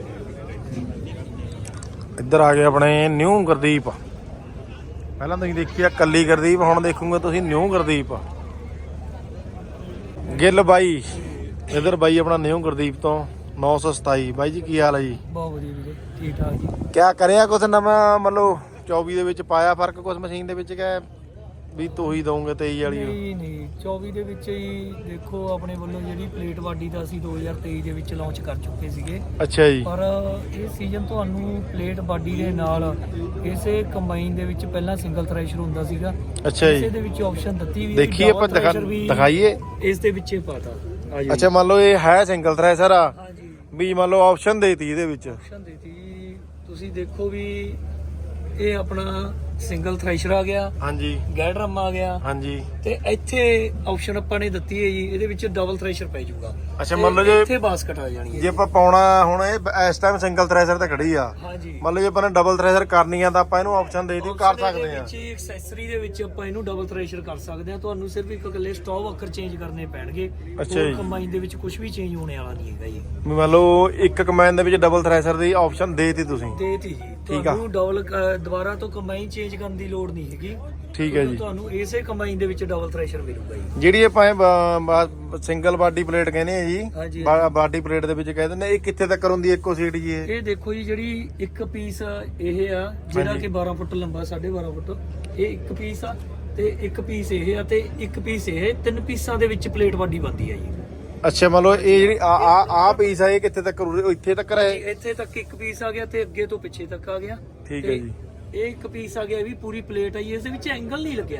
A: ਇੱਧਰ ਆ ਗਏ ਆਪਣੇ ਨਿਊ ਗੁਰਦੀਪ। ਪਹਿਲਾਂ ਤੁਸੀਂ ਦੇਖਿਆ ਕੱਲੀ ਗੁਰਦੀਪ, ਹੁਣ ਦੇਖੋਗੇ ਤੁਸੀਂ ਨਿਊ ਗੁਰਦੀਪ। ਗਿੱਲ ਬਾਈ ਇਧਰ ਬਾਈ ਆਪਣਾ ਨਿਊ ਗੁਰਦੀਪ ਤੋਂ ਨੌ ਸੌ ਸਤਾਈ। ਬਾਈ ਜੀ ਕੀ ਹਾਲ ਹੈ ਜੀ?
E: ਬਹੁਤ ਵਧੀਆ ਵੀਰੇ, ਠੀਕ ਠਾਕ ਜੀ।
A: ਕਿਆ ਕਰਿਆ ਕੁਛ ਨਵਾਂ ਮਤਲਬ ਚੌਵੀ ਦੇ ਵਿੱਚ ਪਾਇਆ ਫਰਕ ਕੁਛ ਮਸ਼ੀਨ ਦੇ ਵਿੱਚ ਕਿ ਵੀ ਤੂੰ ਹੀ ਦਊਂਗੇ ਤੇਈ ਵਾਲੀ?
E: ਨਹੀਂ ਨਹੀਂ ਚੌਵੀ ਦੇ ਵਿੱਚ ਹੀ ਦੇਖੋ, ਆਪਣੇ ਵੱਲੋਂ ਜਿਹੜੀ ਪਲੇਟ ਬਾਡੀ ਦਾ ਅਸੀਂ ਦੋ ਹਜ਼ਾਰ ਤੇਈ ਦੇ ਵਿੱਚ ਲਾਂਚ ਕਰ ਚੁੱਕੇ ਸੀਗੇ।
A: ਅੱਛਾ ਜੀ।
E: ਪਰ ਇਹ ਸੀਜ਼ਨ ਤੁਹਾਨੂੰ ਪਲੇਟ ਬਾਡੀ ਦੇ ਨਾਲ ਇਸੇ ਕੰਬਾਈਨ ਦੇ ਵਿੱਚ ਪਹਿਲਾਂ ਸਿੰਗਲ ਥ੍ਰੈਸ਼ਰ ਹੁੰਦਾ ਸੀਗਾ।
A: ਅੱਛਾ ਜੀ।
E: ਇਸੇ ਦੇ ਵਿੱਚ ਆਪਸ਼ਨ ਦਿੱਤੀ ਵੀ
A: ਦੇਖੀਏ ਆਪਾਂ ਦਿਖਾ- ਦਿਖਾਈਏ
E: ਇਸ ਦੇ ਵਿੱਚ ਹੀ ਪਾਤਾ।
A: ਅੱਛਾ ਮੰਨ ਲਓ ਇਹ ਹੈ ਸਿੰਗਲ ਥ੍ਰੈਸ਼ਰ ਆ,
E: ਹਾਂਜੀ
A: ਵੀ ਮੰਨ ਲਓ ਆਪਸ਼ਨ ਦੇਤੀ ਇਹਦੇ ਵਿੱਚ।
E: ਆਪਸ਼ਨ ਦਿੱਤੀ, ਤੁਸੀਂ ਦੇਖੋ ਵੀ ਇਹ ਆਪਣਾ ਸਿੰਗਲ ਥ੍ਰੈਸ਼ਰ ਆ ਗਿਆ,
A: ਹਾਂਜੀ
E: ਗੈਡਰਮ ਆ ਗਿਆ,
A: ਹਾਂਜੀ।
E: ਤੇ ਇੱਥੇ ਆਪਸ਼ਨ ਆਪਾਂ ਨੇ ਦਿੱਤੀ ਹੈ ਜੀ, ਇਹਦੇ ਵਿੱਚ ਡਬਲ ਥ੍ਰੈਸ਼ਰ ਪੈ ਜਾਊਗਾ।
A: ਅੱਛਾ ਮੰਨ ਲਓ ਜੇ
E: ਇੱਥੇ ਬਾਸਕਟ ਆ ਜਾਣੀ ਹੈ।
A: ਜੇ ਆਪਾਂ ਪਾਉਣਾ ਹੁਣ ਇਹ ਇਸ ਟਾਈਮ ਸਿੰਗਲ ਥ੍ਰੈਸ਼ਰ ਤੇ ਖੜੀ ਆ,
E: ਹਾਂਜੀ
A: ਮੰਨ ਲਓ ਜੇ ਆਪਾਂ ਨੇ ਡਬਲ ਥ੍ਰੈਸ਼ਰ ਕਰਨੀ ਆ ਤਾਂ ਆਪਾਂ ਇਹਨੂੰ ਆਪਸ਼ਨ ਦੇ ਦਿੱਤੀ, ਕਰ ਸਕਦੇ ਆ।
E: ਵਿੱਚ ਐਕਸੈਸਰੀ ਦੇ ਵਿੱਚ ਆਪਾਂ ਇਹਨੂੰ ਡਬਲ ਥ੍ਰੈਸ਼ਰ ਕਰ ਸਕਦੇ ਆ। ਤੁਹਾਨੂੰ ਸਿਰਫ ਇੱਕ ਇਕੱਲੇ ਸਟਾਪ ਅੱਖਰ ਚੇਂਜ ਕਰਨੇ ਪੈਣਗੇ।
A: ਅੱਛਾ ਜੀ।
E: ਕੰਬਾਈਨ ਦੇ ਵਿੱਚ ਕੁਝ ਵੀ ਚੇਂਜ ਹੋਣੇ ਵਾਲਾ ਨਹੀਂ ਹੈਗਾ ਜੀ।
A: ਵੀ ਮੰਨ ਲਓ ਇੱਕ ਕਮੈਨ ਦੇ ਵਿੱਚ ਡਬਲ ਥ੍ਰੈਸ਼ਰ ਦੀ ਆਪਸ਼ਨ ਦੇਤੀ ਤੁਸੀਂ।
E: ਦੇਤੀ ਜੀ,
A: ਠੀਕ ਆ।
E: ਤੁਹਾਨੂੰ ਡਬਲ ਦੁਬਾਰਾ ਤੋਂ ਕੰਬਾਈਨ ਚੇਂਜ ਕਰਨ ਦੀ ਲੋੜ ਨਹੀਂ ਹੈਗੀ।
A: ਠੀਕ ਹੈ ਜੀ।
E: ਤੁਹਾਨੂੰ ਇਸੇ ਕੰਬਾਈਨ ਦੇ ਵਿੱਚ ਡਬਲ ਥ੍ਰੈਸ਼ਰ ਮਿਲੂਗਾ ਜੀ।
A: ਜਿਹੜੀ ਆਪਾਂ ਸਿੰਗਲ ਬਾਡੀ ਪਲੇਟ ਕਹਿੰਦੇ ਆ ਜੀ,
E: ਹਾਂਜੀ।
A: ਬਾਡੀ ਪਲੇਟ ਦੇ ਵਿੱਚ ਕਹਿ ਦਿੰਦੇ ਇਹ ਕਿੱਥੇ ਤੱਕ ਹੁੰਦੀ ਇੱਕੋ ਸੀਟ ਜੀ? ਇਹ
E: ਇਹ ਦੇਖੋ ਜੀ, ਜਿਹੜੀ ਇੱਕ ਪੀਸ ਇਹ ਆ ਜਿਹੜਾ ਕਿ ਬਾਰਾਂ ਫੁੱਟ ਲੰਬਾ, ਸਾਢੇ ਬਾਰਾਂ ਫੁੱਟ, ਇਹ ਇੱਕ ਪੀਸ ਆ, ਤੇ ਇੱਕ ਪੀਸ ਇਹ ਆ, ਤੇ ਇੱਕ ਪੀਸ ਇਹ, ਤਿੰਨ ਪੀਸਾਂ ਦੇ ਵਿੱਚ ਪਲੇਟ ਬਾਡੀ ਬਣਦੀ ਆ ਜੀ।
A: ਅੱਛਾ ਮੰਨ ਲਓ ਇਹ ਜਿਹੜੀ ਆ ਆ ਆ ਪੀਸ ਆ, ਇਹ ਕਿੱਥੇ ਤੱਕ ਉਰੇ- ਇੱਥੇ ਤੱਕ ਰਹੇ?
E: ਇੱਥੇ ਤੱਕ ਇੱਕ ਪੀਸ ਆ ਗਿਆ, ਤੇ ਅੱਗੇ ਤੋਂ ਪਿੱਛੇ ਤੱਕ ਆ ਗਿਆ।
A: ਠੀਕ ਹੈ
E: ਤੇ
A: ਜੀ।
E: ਇਹ ਇੱਕ ਪੀਸ ਆ ਗਿਆ, ਇਹ ਵੀ ਪੂਰੀ ਪਲੇਟ ਆ ਜੀ। ਇਸ ਦੇ ਵਿੱਚ ਐਂਗਲ ਨਹੀਂ ਲੱਗਿਆ,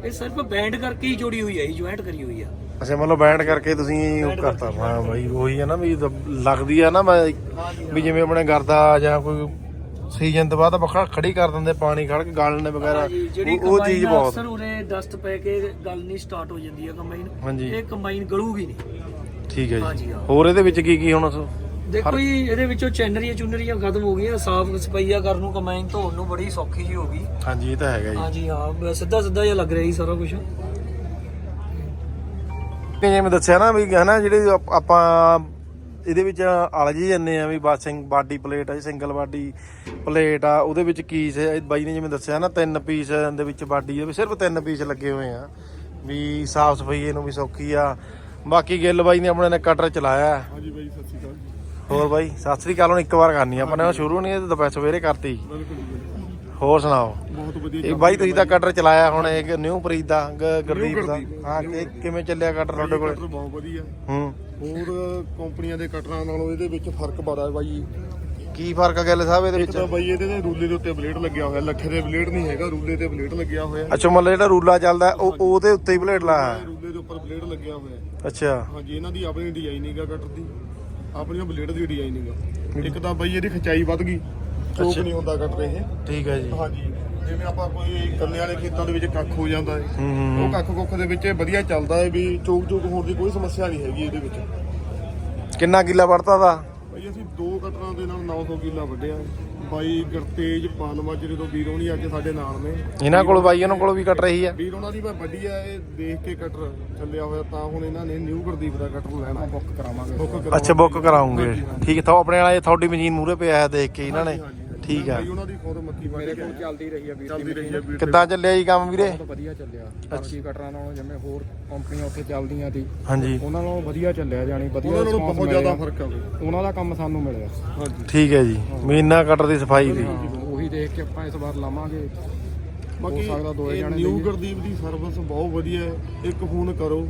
E: ਇਹ ਸਿਰਫ ਬੈਂਡ ਕਰਕੇ ਹੀ ਜੋੜੀ ਹੋਈ ਹੈ, ਜੁਆਇੰਟ ਕਰੀ ਹੋਈ ਆ।
A: ਅੱਛਾ ਮਤਲਬ ਬੈਂਡ ਕਰਕੇ ਤੁਸੀਂ ਉਹ ਕਰਤਾ। ਹਾਂ ਬਾਈ ਉਹੀ ਹੈ ਨਾ ਵੀ ਲੱਗਦੀ ਆ ਨਾ ਮੈਂ ਵੀ ਜਿਵੇਂ ਆਪਣੇ ਗਰਦਾ ਜਾਂ ਕੋਈ ਸੀਜ਼ਨ ਤੋਂ ਬਾਅਦ ਵੱਖਰਾ ਖੜੀ ਕਰ ਦਿੰਦੇ ਪਾਣੀ ਖੜ ਕੇ ਗਾਲਣੇ ਵਗੈਰਾ,
E: ਜਿਹੜੀ
A: ਉਹ ਚੀਜ਼ ਬਹੁਤ
E: ਅਕਸਰ ਉਰੇ ਡਸਟ ਪੈ ਕੇ ਗੱਲ ਨਹੀਂ ਸਟਾਰਟ ਹੋ ਜਾਂਦੀ ਹੈ ਕੰਬਾਈਨ।
A: ਹਾਂਜੀ
E: ਇਹ ਕੰਬਾਈਨ ਗਲੂਗੀ ਨਹੀਂ।
A: ਠੀਕ ਹੈ
E: ਹਾਂਜੀ,
A: ਜੀ।
E: ਹਾਂ।
A: ਹੋਰ ਇਹਦੇ ਵਿੱਚ ਕੀ ਕੀ ਹੁਣ
E: ਦੇਖੋ ਜੀ ਇਹਦੇ ਵਿੱਚੋਂ ਚੈਨਰੀਆਂ ਚੁਨਰੀਆਂ ਖਤਮ ਹੋ ਗਈਆਂ, ਸਾਫ ਸਫਾਈਆ ਕਰਨ ਨੂੰ ਕੰਬਾਈਨ ਧੋਣ ਨੂੰ ਬੜੀ ਸੌਖੀ ਜੀ ਹੋ ਗਈ।
A: ਹਾਂਜੀ ਇਹ ਤਾਂ ਹੈਗਾ ਜੀ।
E: ਹਾਂਜੀ ਹਾਂ ਸਿੱਧਾ ਸਿੱਧਾ ਜਿਹਾ ਲੱਗ ਰਿਹਾ ਜੀ ਸਾਰਾ ਕੁਝ।
A: ਜਿਵੇਂ ਦੱਸਿਆ ਨਾ ਵੀ ਹਨਾ ਜਿਹੜੇ ਆਪ- ਆਪਾਂ ਇਹਦੇ ਵਿੱਚ ਅਲਝ ਹੀ ਜਾਂਦੇ ਆ ਵੀ ਬਾਸਿੰਗ ਬਾਡੀ ਪਲੇਟ ਆ, ਸਿੰਗਲ ਬਾਡੀ ਪਲੇਟ ਆ, ਉਹਦੇ ਵਿੱਚ ਕੀ ਸੇ ਬਾਈ ਨੇ ਜਿਵੇਂ ਦੱਸਿਆ ਨਾ ਤਿੰਨ ਪੀਸ ਦੇ ਵਿੱਚ ਬਾਡੀ ਆ, ਵੀ ਸਿਰਫ ਤਿੰਨ ਪੀਸ ਲੱਗੇ ਹੋਏ ਆ ਵੀ ਸਾਫ ਸਫਾਈ ਇਹਨੂੰ ਵੀ ਸੌਖੀ ਆ। ਬਾਕੀ ਗਿੱਲ ਬਾਈ ਨੇ ਆਪਣੇ ਨੇ ਕਟਰ ਚਲਾਇਆ।
D: ਹਾਂਜੀ ਬਾਈ ਸਤਿ ਸ਼੍ਰੀ ਅਕਾਲ।
A: ਹੋਰ ਬਾਈ ਸਤਿ ਸ੍ਰੀ ਅਕਾਲ। ਹੁਣ ਇੱਕ ਵਾਰ ਕਰਨੀ ਆ ਆਪਾਂ ਨੇ, ਸ਼ੁਰੂ ਨਹੀਂ ਦੁਪਹਿਰ ਸਵੇਰੇ ਕਰਤੀ। ਹੋਰ ਸੁਣਾਓ।
D: ਬਹੁਤ ਵਧੀਆ
A: ਇਹ ਬਾਈ ਤੁਸੀਂ ਤਾਂ ਕਟਰ ਚਲਾਇਆ ਹੁਣ ਇੱਕ ਨਿਊ ਪ੍ਰੀਤ ਦਾ ਗ- ਗੁਰਦੀਪ ਦਾ। ਹਾਂ ਕਿ ਕਿਵੇਂ ਚੱਲਿਆ ਕਟਰ ਤੁਹਾਡੇ ਕੋਲ?
D: ਕਟਰ ਬਹੁਤ ਵਧੀਆ।
A: ਹੂੰ
D: ਹੋਰ ਕੰਪਨੀਆਂ ਦੇ ਕਟਰਾਂ ਨਾਲੋਂ ਇਹਦੇ ਵਿੱਚ ਫਰਕ ਬੜਾ ਹੈ ਬਾਈ।
A: ਕੀ ਫਰਕ ਆ ਗਿੱਲ ਸਾਹਿਬ ਇਹਦੇ
D: ਇੱਕ ਤਾਂ
A: ਵਿੱਚ?
D: ਬਾਈ ਇਹਦੇ ਤੇ ਰੂਲੇ ਦੇ ਉੱਤੇ ਬਲੇਡ ਲੱਗਿਆ ਹੋਇਆ, ਲੱਠੇ ਦੇ ਬਲੇਡ ਨਹੀਂ ਹੈਗਾ, ਰੂਲੇ ਤੇ ਬਲੇਡ ਲੱਗਿਆ ਹੋਇਆ।
A: ਅੱਛਾ ਮਤਲਬ ਜਿਹੜਾ ਰੂਲਾ ਚੱਲਦਾ ਉਹ ਉਹਦੇ ਉੱਤੇ ਹੀ ਪਲੇਟ ਲਾਇਆ।
D: ਰੂਲੇ ਦੇ ਉੱਪਰ ਬਲੇਡ ਲੱਗਿਆ ਹੋਇਆ।
A: ਅੱਛਾ
D: ਹਾਂਜੀ ਇਹਨਾਂ ਦੀ ਆਪਣੀ ਡਿਜ਼ਾਈਨਿੰਗ ਆ ਕਟਰ ਦੀ, ਆਪਣੀਆਂ ਬਲੇਡ ਦੀ ਡਿਜ਼ਾਈਨਿੰਗ ਆ। ਇੱਕ ਤਾਂ ਬਾਈ ਇਹਦੀ ਖਿਚਾਈ ਵੱਧ ਗਈ, ਚੋਕ ਨਹੀਂ ਹੁੰਦਾ ਕਟਰ ਇਹ।
A: ਠੀਕ ਹੈ ਜੀ।
D: ਹਾਂਜੀ ਜਿਵੇਂ ਆਪਾਂ ਕੋਈ ਗੰਨੇ ਵਾਲੇ ਖੇਤਾਂ ਦੇ ਵਿੱਚ ਕੱਖ ਹੋ ਜਾਂਦਾ ਹੈ,
A: ਹੂੰ ਹੂੰ
D: ਉਹ ਕੱਖ ਕੁੱਖ ਦੇ ਵਿੱਚ ਇਹ ਵਧੀਆ ਚੱਲਦਾ ਹੈ ਵੀ ਚੋਕ ਚੋਕ ਹੋਣ ਦੀ ਕੋਈ ਸਮੱਸਿਆ ਨਹੀਂ ਹੈਗੀ ਇਹਦੇ ਵਿੱਚ।
A: ਕਿੰਨਾ ਕਿੱਲਾ ਵੜਤਾ ਦਾ?
D: ਬਾਈ ਅਸੀਂ ਦੋ ਕਟਰਾਂ ਦੇ ਨਾਲ ਨੌ ਸੌ ਕਿੱਲਾ ਵੱਢਿਆ। ਬਾਈ ਗੁਰਤੇਜ ਪਾਨਮਾਜਰੇ ਤੋਂ ਵੀਰ ਹੋਣੀ ਅੱਜ ਸਾਡੇ ਨਾਲ ਨੇ।
A: ਇਹਨਾਂ ਕੋਲ ਬਾਈ ਉਹਨਾਂ ਕੋਲ ਵੀ ਕੱਟ ਰਹੀ ਆ।
D: ਵੀਰ ਉਹਨਾਂ ਦੀ ਮੈਂ ਵੱਡੀ ਆ, ਇਹ ਦੇਖ ਕੇ ਕਟਰ ਚੱਲਿਆ ਹੋਇਆ ਤਾਂ ਹੁਣ ਇਹਨਾਂ ਨੇ ਨਿਊ ਗੁਰਦੀਪ ਦਾ ਕਟਰ ਲੈਣਾ, ਬੁੱਕ ਕਰਾਵਾਂਗੇ। ਬੁੱਕ
A: ਅੱਛਾ ਬੁੱਕ ਕਰਾਉਂਗੇ। ਠੀਕ ਹੈ। ਤਾਂ ਆਪਣੇ ਵਾਲੇ ਤੁਹਾਡੀ ਮਸ਼ੀਨ ਮੂਹਰੇ ਪਿਆ ਦੇਖ ਕੇ ਇਹਨਾਂ ਨੇ। ਠੀਕ ਆ।
D: ਬਾਈ ਉਹਨਾਂ ਦੀ ਖੁਦ ਮੱਕੀ ਮੇਰੇ ਕੋਲ ਚੱਲਦੀ ਰਹੀ ਆ ਵੀਰ, ਚੱਲਦੀ ਰਹੀ ਆ ਵੀਰ।
A: ਕਿੱਦਾਂ ਚੱਲਿਆ ਜੀ ਕੰਮ ਵੀਰੇ?
F: ਬਹੁਤ ਵਧੀਆ ਚੱਲਿਆ। ਬਾਕੀ ਕਟਰਾਂ ਨਾਲੋਂ ਜਿਵੇਂ ਹੋਰ ਕੰਪਨੀਆਂ ਉੱਥੇ ਚੱਲਦੀਆਂ ਸੀ
A: ਹਾਂਜੀ
F: ਉਹਨਾਂ ਨਾਲੋਂ ਵਧੀਆ ਚੱਲਿਆ, ਜਾਣੀ ਵਧੀਆ
D: ਉਹਨਾਂ ਨਾਲੋਂ
F: response
D: ਬਹੁਤ ਜ਼ਿਆਦਾ
F: ਮਿਲਿਆ।
D: ਫਰਕ ਆ ਬਈ।
F: ਉਹਨਾਂ ਦਾ ਕੰਮ ਸਾਨੂੰ ਮਿਲਿਆ।
D: ਹਾਂਜੀ
A: ਠੀਕ ਹੈ ਜੀ। ਮੀਨਾ ਕਟਰ ਦੀ ਸਫਾਈ ਦੀ।
F: ਹਾਂ, ਉਹੀ ਦੇਖ ਕੇ ਆਪਾਂ ਇਸ ਵਾਰ ਲਾਵਾਂਗੇ।
D: ਬਾਕੀ
F: ਹੋ ਸਕਦਾ ਦੋਏ
D: ਇਹ
F: ਜਾਣੇ
D: ਨਿਊ
F: ਲਈਏ।
D: ਗੁਰਦੀਪ ਦੀ ਸਰਵਿਸ ਬਹੁਤ ਵਧੀਆ ਹੈ। ਇੱਕ ਫੋਨ ਕਰੋ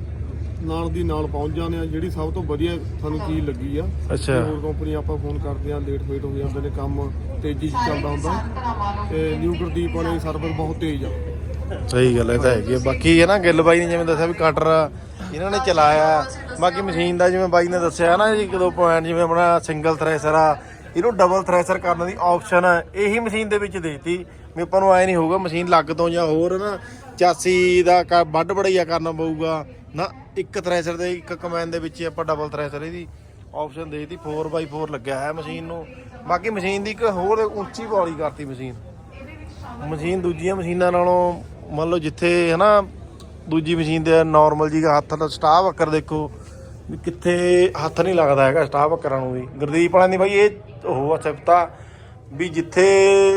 D: ਨਾਲ ਦੀ ਨਾਲ ਪਹੁੰਚ ਜਾਂਦੇ ਆ। ਜਿਹੜੀ ਸਭ ਤੋਂ ਵਧੀਆ ਸਾਨੂੰ ਚੀਜ਼ ਲੱਗੀ ਆ।
A: ਅੱਛਾ
D: ਹੋਰ ਕੰਪਨੀ ਆਪਾਂ ਫੋਨ ਕਰਦੇ ਆ ਲੇਟ ਫੇਟ ਹੋ ਜਾਂਦੇ ਨੇ, ਕੰਮ ਤੇਜ਼ੀ 'ਚ ਚੱਲਦਾ ਹੁੰਦਾ ਤੇ ਨਿਊ ਗੁਰਦੀਪ ਵਾਲੀ ਸਰਵਿਸ ਬਹੁਤ ਤੇਜ਼ ਆ।
A: ਸਹੀ ਗੱਲ ਇਹ ਤਾਂ ਹੈਗੀ ਆ। ਬਾਕੀ ਹੈ ਨਾ ਗਿੱਲ ਬਾਈ ਨੇ ਜਿਵੇਂ ਦੱਸਿਆ ਵੀ ਕਟਰ ਇਹਨਾਂ ਨੇ ਚਲਾਇਆ। ਬਾਕੀ ਮਸ਼ੀਨ ਦਾ ਜਿਵੇਂ ਬਾਈ ਨੇ ਦੱਸਿਆ ਨਾ ਜੀ ਇੱਕ ਦੋ ਪੁਆਇੰਟ, ਜਿਵੇਂ ਆਪਣਾ ਸਿੰਗਲ ਥ੍ਰੈਸ਼ਰ ਆ, ਇਹਨੂੰ ਡਬਲ ਥ੍ਰੈਸ਼ਰ ਕਰਨ ਦੀ ਆਪਸ਼ਨ ਇਹੀ ਮਸ਼ੀਨ ਦੇ ਵਿੱਚ ਦੇਤੀ ਵੀ ਆਪਾਂ ਨੂੰ ਐ ਨਹੀਂ ਹੋਊਗਾ ਮਸ਼ੀਨ ਲੱਗ ਤੋਂ ਜਾਂ ਹੋਰ ਨਾ ਚਾਸੀ ਦਾ ਕ- ਵੱਢ ਵੜਈਆ ਕਰਨਾ ਪਊਗਾ ਨਾ। ਇੱਕ ਥ੍ਰੈਸ਼ਰ ਦੇ ਇੱਕ ਕਮੈਨ ਦੇ ਵਿੱਚ ਆਪਾਂ ਡਬਲ ਥ੍ਰੈਸ਼ਰ ਇਹਦੀ ਆਪਸ਼ਨ ਦੇਤੀ। ਫੋਰ ਬਾਈ ਫੋਰ ਲੱਗਿਆ ਹੈ ਮਸ਼ੀਨ ਨੂੰ। ਬਾਕੀ ਮਸ਼ੀਨ ਦੀ ਇੱਕ ਹੋਰ ਉੱਚੀ ਬੌਲੀ ਕਰਤੀ ਮਸ਼ੀਨ। ਮਸ਼ੀਨ ਦੂਜੀਆਂ ਮਸ਼ੀਨਾਂ ਨਾਲੋਂ ਮੰਨ ਲਓ ਜਿੱਥੇ ਹੈ ਨਾ ਦੂਜੀ ਮਸ਼ੀਨ ਦੇ ਨਾਰਮਲ ਜੀ ਹੱਥ ਦਾ ਸਟਾਫ ਵੱਕਰ ਦੇਖੋ ਵੀ ਕਿੱਥੇ ਹੱਥ ਨਹੀਂ ਲੱਗਦਾ ਹੈਗਾ ਸਟਾਫ ਵੱਕਰਾਂ ਨੂੰ ਵੀ। ਗੁਰਦੀਪ ਵਾਲਿਆਂ ਦੀ ਬਾਈ ਇਹ ਉਹ ਸਿਫਤਾ ਵੀ ਜਿੱਥੇ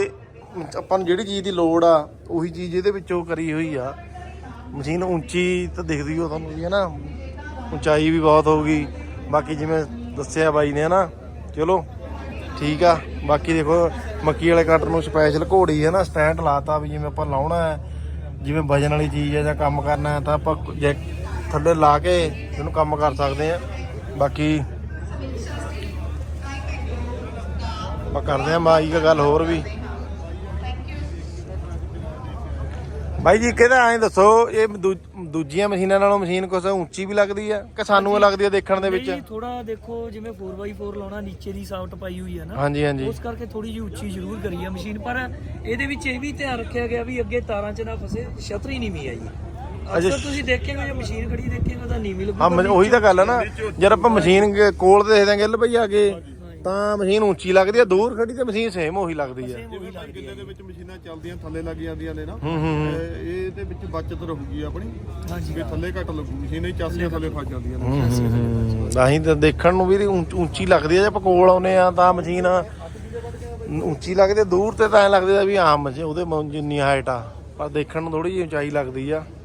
A: ਆਪਾਂ ਨੂੰ ਜਿਹੜੀ ਚੀਜ਼ ਦੀ ਲੋੜ ਆ ਉਹੀ ਚੀਜ਼ ਇਹਦੇ ਵਿੱਚੋਂ ਕਰੀ ਹੋਈ ਆ। ਮਸ਼ੀਨ ਉੱਚੀ ਤਾਂ ਦਿਖਦੀ ਹੋ ਤੁਹਾਨੂੰ ਵੀ ਹੈ ਨਾ, ਉਚਾਈ ਵੀ ਬਹੁਤ ਹੋਊਗੀ। ਬਾਕੀ ਜਿਵੇਂ ਦੱਸਿਆ ਬਾਈ ਨੇ ਹੈ ਨਾ, ਚਲੋ ਠੀਕ ਆ। ਬਾਕੀ ਦੇਖੋ ਮੱਕੀ ਵਾਲੇ ਕਟਰ ਨੂੰ ਸਪੈਸ਼ਲ ਘੋੜੀ ਹੈ ਨਾ ਸਟੈਂਡ ਲਾਤਾ ਵੀ ਜਿਵੇਂ ਆਪਾਂ ਲਾਉਣਾ ਹੈ, ਜਿਵੇਂ ਵਜਨ ਵਾਲੀ ਚੀਜ਼ ਹੈ ਜਾਂ ਕੰਮ ਕਰਨਾ ਹੈ ਤਾਂ ਆਪਾਂ ਜੇ ਥੱਲੇ ਲਾ ਕੇ ਇਹਨੂੰ ਕੰਮ ਕਰ ਸਕਦੇ ਆ। ਬਾਕੀ ਆਪਾਂ ਕਰਦੇ ਆ ਮਾਈ ਦੀ ਗੱਲ ਹੋਰ ਵੀ। ਬਾਈ ਜੀ ਕਿਹਦਾ ਐਂ ਦੱਸੋ ਇਹ ਦੂ- ਦੂਜੀਆਂ ਮਸ਼ੀਨਾਂ ਨਾਲੋਂ ਮਸ਼ੀਨ ਕੁਛ ਉੱਚੀ ਵੀ ਲੱਗਦੀ ਆ ਕਿ ਸਾਨੂੰ ਇਹ ਲੱਗਦੀ ਆ ਦੇਖਣ ਦੇ ਵਿੱਚ?
E: ਥੋੜਾ ਦੇਖੋ ਜਿਵੇਂ ਫੋਰ ਬਾਈ ਫੋਰ ਲਾਉਣਾ, ਨੀਚੇ ਦੀ ਸਾਫਟ ਪਾਈ ਹੋਈ ਹੈ ਨਾ,
A: ਹਾਂਜੀ ਹਾਂਜੀ
E: ਉਸ ਕਰਕੇ ਥੋੜੀ ਜਿਹੀ ਉੱਚੀ ਜ਼ਰੂਰ ਕਰੀ ਆ ਮਸ਼ੀਨ। ਪਰ ਇਹਦੇ ਵਿੱਚ ਇਹ ਵੀ ਧਿਆਨ ਰੱਖਿਆ ਗਿਆ ਵੀ ਅੱਗੇ ਤਾਰਾਂ 'ਚ ਨਾ ਫਸੇ, ਛਤਰੀ ਨੀਵੀਂ ਆਈ। ਅਕਸਰ ਤੁਸੀਂ ਦੇਖੇਗੇ ਜੇ ਮਸ਼ੀਨ ਖੜੀ ਦੇਖੇਗੇ ਤਾਂ ਨੀਵੀਂ ਲੱਗੂ।
A: ਹਾਂ ਮ- ਉਹੀ ਤਾਂ ਗੱਲ ਆ ਨਾ, ਜਦ ਆਪਾਂ ਮਸ਼ੀਨ ਕ- ਕੋਲ ਤੇ ਦੇਖਦੇ ਗਿੱਲ ਭਈ ਆ ਕੇ ਤਾਂ ਮਸ਼ੀਨ ਉੱਚੀ ਲੱਗਦੀ ਆ, ਦੂਰ ਖੜੀ ਤੇ ਮਸ਼ੀਨ ਸੇਮ ਉਹੀ ਲੱਗਦੀ ਆ।
D: ਜਿਵੇਂ ਭਾਈ ਕਿੱਲੇ ਦੇ ਵਿੱਚ ਮਸ਼ੀਨਾਂ ਚੱਲਦੀਆਂ ਥੱਲੇ ਲੱਗ ਜਾਂਦੀਆਂ ਨੇ ਨਾ,
A: ਹੂੰ ਹੂੰ
D: ਤੇ ਇਹਦੇ ਵਿੱਚ ਬਚਤ ਰਹੂਗੀ ਆਪਣੀ
E: ਹਾਂਜੀ
D: ਵੀ ਥੱਲੇ ਘੱਟ ਲੱਗੂ। ਮਸ਼ੀਨ ਹੀ ਚਾਸੀਆਂ ਥੱਲੇ ਫਸ ਜਾਂਦੀਆਂ ਨੇ।
A: ਹੂੰ ਤਾਂ ਤਾਂ ਦੇਖਣ ਨੂੰ ਵੀ ਇਹਦੀ ਉੱਚ- ਉੱਚੀ ਲੱਗਦੀ ਆ। ਜੇ ਆਪਾਂ ਕੋਲ ਆਉਨੇ ਆ ਤਾਂ ਮਸ਼ੀਨ ਉੱਚੀ ਲੱਗਦੀ ਆ, ਦੂਰ ਤੇ ਤਾਂ ਐਂ ਲੱਗਦਾ ਵੀ ਆਮ ਉਹਦੇ ਮ- ਜਿੰਨੀ ਹਾਈਟ ਆ, ਪਰ ਦੇਖਣ ਨੂੰ ਥੋੜੀ ਜਿਹੀ ਉਚਾਈ ਲੱਗਦੀ ਆ।